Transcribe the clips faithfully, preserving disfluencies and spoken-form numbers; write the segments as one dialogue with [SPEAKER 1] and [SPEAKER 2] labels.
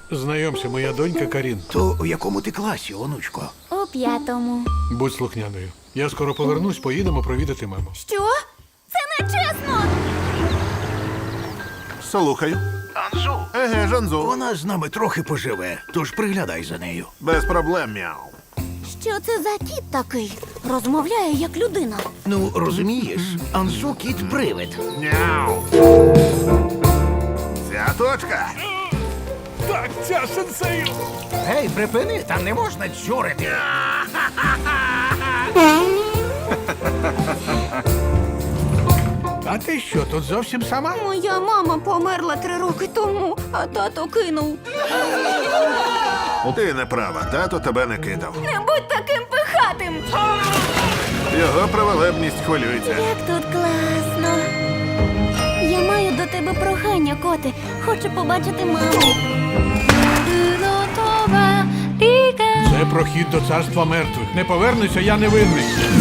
[SPEAKER 1] Знайомся, моя донька Карін.
[SPEAKER 2] То у якому ти класі, онучко?
[SPEAKER 3] У п'ятому.
[SPEAKER 1] Будь слухняною. Я скоро повернусь, поїдемо провідати маму.
[SPEAKER 3] Що? Це не чесно!
[SPEAKER 4] Слухаю.
[SPEAKER 2] Анзу.
[SPEAKER 4] Еге, Жанзу.
[SPEAKER 2] Вона з нами трохи поживе, тож приглядай за нею.
[SPEAKER 4] Без проблем, мяу.
[SPEAKER 3] Що це за кіт такий? Розмовляє як людина.
[SPEAKER 2] Ну, розумієш, Анзу кіт-привид.
[SPEAKER 4] Мяу. Ця точка.
[SPEAKER 1] Так, ця сенсею!
[SPEAKER 2] Гей, припини, там не можна чурити.
[SPEAKER 1] А ти що, тут зовсім сама?
[SPEAKER 3] Моя мама померла три роки тому, а тато кинув.
[SPEAKER 4] Ти не права, тато тебе не кидав.
[SPEAKER 3] Не будь таким пихатим!
[SPEAKER 4] Його праволебність хвилюється.
[SPEAKER 3] Як тут класно. Я маю до тебе прохання, коти. Хочу побачити маму.
[SPEAKER 1] Це прохід до царства мертвих. Не повернуся, я не винний.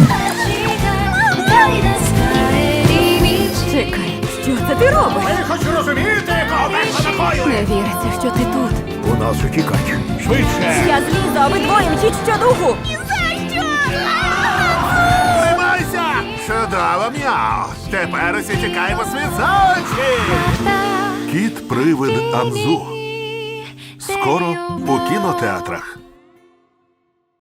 [SPEAKER 5] Чекай, що це ти робиш?
[SPEAKER 2] Ви хоч розумієте, кого верхо накоює?
[SPEAKER 5] Не віриться, що ти тут.
[SPEAKER 2] У нас утікач.
[SPEAKER 1] Швидше!
[SPEAKER 5] Я злізу, а ви двоє мчіть щодуху.
[SPEAKER 4] Тримайся! Чудово, мяу. Тепер усі тікаємо світ за очі. Кіт-привид Анзу. Скоро у кінотеатрах.